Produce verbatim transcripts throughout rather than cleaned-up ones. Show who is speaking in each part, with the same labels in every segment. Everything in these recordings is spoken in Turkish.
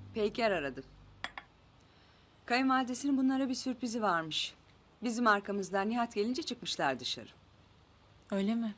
Speaker 1: Peyker aradı. Kayınvalidesinin bunlara bir sürprizi varmış. Bizim arkamızdan Nihat gelince çıkmışlar dışarı.
Speaker 2: Öyle mi?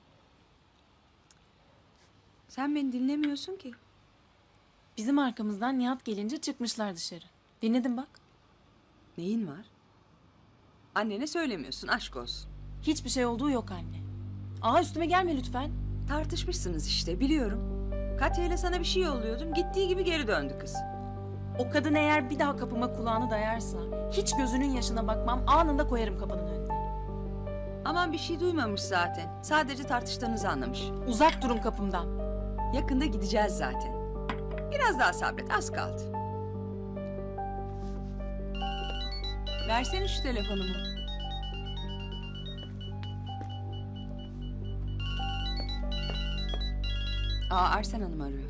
Speaker 1: Sen beni dinlemiyorsun ki.
Speaker 2: Bizim arkamızdan Nihat gelince çıkmışlar dışarı. Dinledim bak.
Speaker 1: Neyin var? Annene söylemiyorsun, aşk olsun.
Speaker 2: Hiçbir şey olduğu yok anne. Aa üstüme gelme lütfen.
Speaker 1: Tartışmışsınız işte, biliyorum. Katya ile sana bir şey yolluyordum, gittiği gibi geri döndü kız.
Speaker 2: O kadın eğer bir daha kapıma kulağını dayarsa hiç gözünün yaşına bakmam, anında koyarım kapının önüne.
Speaker 1: Aman bir şey duymamış zaten. Sadece tartıştığınızı anlamış.
Speaker 2: Uzak durun kapımdan.
Speaker 1: Yakında gideceğiz zaten. Biraz daha sabret, az kaldı. Versene şu telefonumu. Aa, Arsen Hanım arıyor.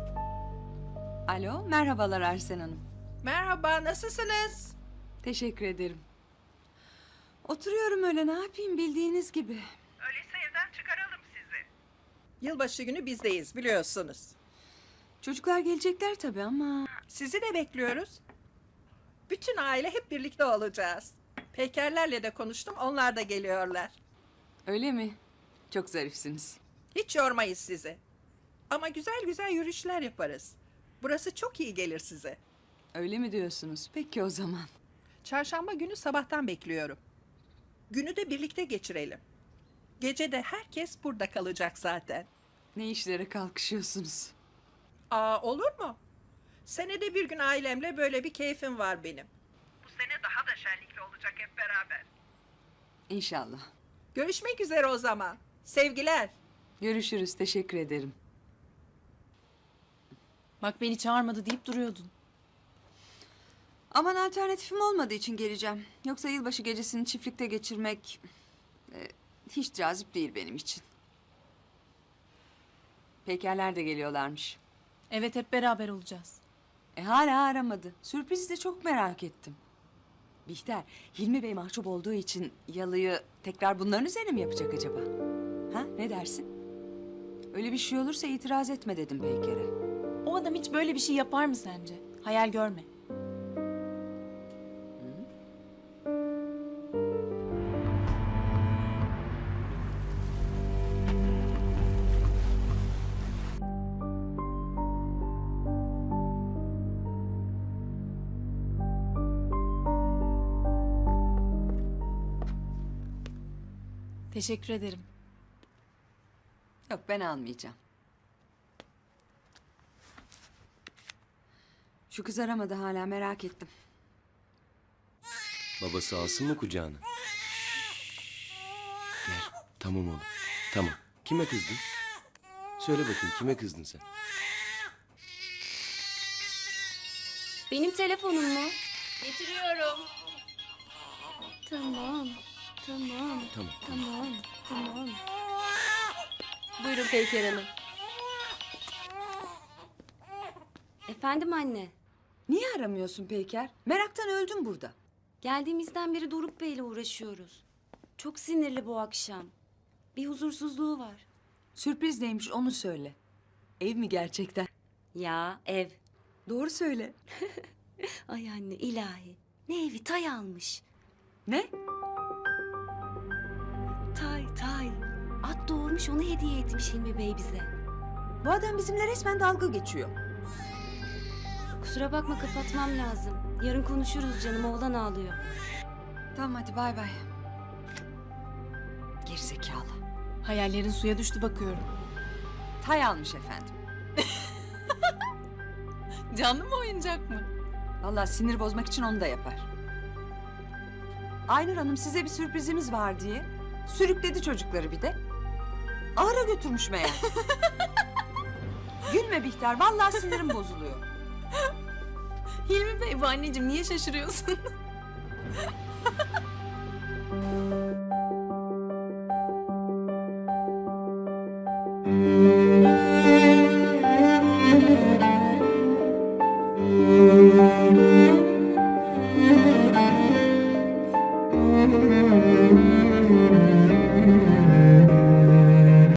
Speaker 1: Alo, merhabalar Arsen Hanım.
Speaker 3: Merhaba, nasılsınız?
Speaker 1: Teşekkür ederim. Oturuyorum öyle, ne yapayım bildiğiniz gibi.
Speaker 3: Öyleyse evden çıkaralım sizi. Yılbaşı günü bizdeyiz, biliyorsunuz.
Speaker 1: Çocuklar gelecekler tabii ama...
Speaker 3: Sizi de bekliyoruz. Bütün aile hep birlikte olacağız. Peykerlerle de konuştum, onlar da geliyorlar.
Speaker 1: Öyle mi? Çok zarifsiniz.
Speaker 3: Hiç yormayız sizi. Ama güzel güzel yürüyüşler yaparız. Burası çok iyi gelir size.
Speaker 1: Öyle mi diyorsunuz? Peki o zaman.
Speaker 3: Çarşamba günü sabahtan bekliyorum. Günü de birlikte geçirelim. Gece de herkes burada kalacak zaten.
Speaker 1: Ne işlere kalkışıyorsunuz?
Speaker 3: Aa, olur mu? Senede bir gün ailemle böyle bir keyfim var benim. Bu sene daha da şenlikli olacak hep beraber.
Speaker 1: İnşallah.
Speaker 3: Görüşmek üzere o zaman. Sevgiler.
Speaker 1: Görüşürüz, teşekkür ederim.
Speaker 2: Bak beni çağırmadı deyip duruyordun.
Speaker 1: Aman alternatifim olmadığı için geleceğim. Yoksa yılbaşı gecesini çiftlikte geçirmek... e, hiç cazip değil benim için. Peykerler de geliyorlarmış.
Speaker 2: Evet hep beraber olacağız.
Speaker 1: E hala aramadı. Sürprizi de çok merak ettim. Bihter, Hilmi Bey mahcup olduğu için yalıyı tekrar bunların üzerine mi yapacak acaba? Ha, ne dersin? Öyle bir şey olursa itiraz etme dedim Peyker'e.
Speaker 2: O adam hiç böyle bir şey yapar mı sence? Hayal görme. Teşekkür ederim.
Speaker 1: Yok, ben almayacağım. Şu kız aramadı hala, merak ettim.
Speaker 4: Babası alsın mı kucağına? Gel. Tamam oğlum. Tamam. Kime kızdın? Söyle bakayım, kime kızdın sen?
Speaker 5: Benim telefonum mu? Getiriyorum. Tamam, tamam,
Speaker 4: Tamam.
Speaker 5: tamam, tamam. Buyurun Peyker Hanım. Efendim anne.
Speaker 1: Niye aramıyorsun Peyker? Meraktan öldüm burada.
Speaker 5: Geldiğimizden beri Doruk Bey'le uğraşıyoruz. Çok sinirli bu akşam. Bir huzursuzluğu var.
Speaker 1: Sürpriz neymiş onu söyle. Ev mi gerçekten?
Speaker 5: Ya ev.
Speaker 1: Doğru söyle.
Speaker 5: Ay anne ilahi. Ne evi, tay almış.
Speaker 1: Ne?
Speaker 5: Tay tay. At doğurmuş, onu hediye etmiş Hilmi Bey bize.
Speaker 1: Bu adam bizimle resmen dalga geçiyor.
Speaker 5: Kusura bakma, kapatmam lazım. Yarın konuşuruz canım, oğlan ağlıyor.
Speaker 1: Tamam hadi bay bay. Gerizekalı.
Speaker 2: Hayallerin suya düştü bakıyorum.
Speaker 1: Tay almış efendim.
Speaker 2: Canlı mı oyuncak mı?
Speaker 1: Vallahi sinir bozmak için onu da yapar. Aynur Hanım size bir sürprizimiz var diye sürükledi çocukları bir de. Ahıra götürmüş meğer. Gülme Bihter, vallahi sinirim bozuluyor.
Speaker 2: Hilmi Bey bu anneciğim, niye şaşırıyorsun?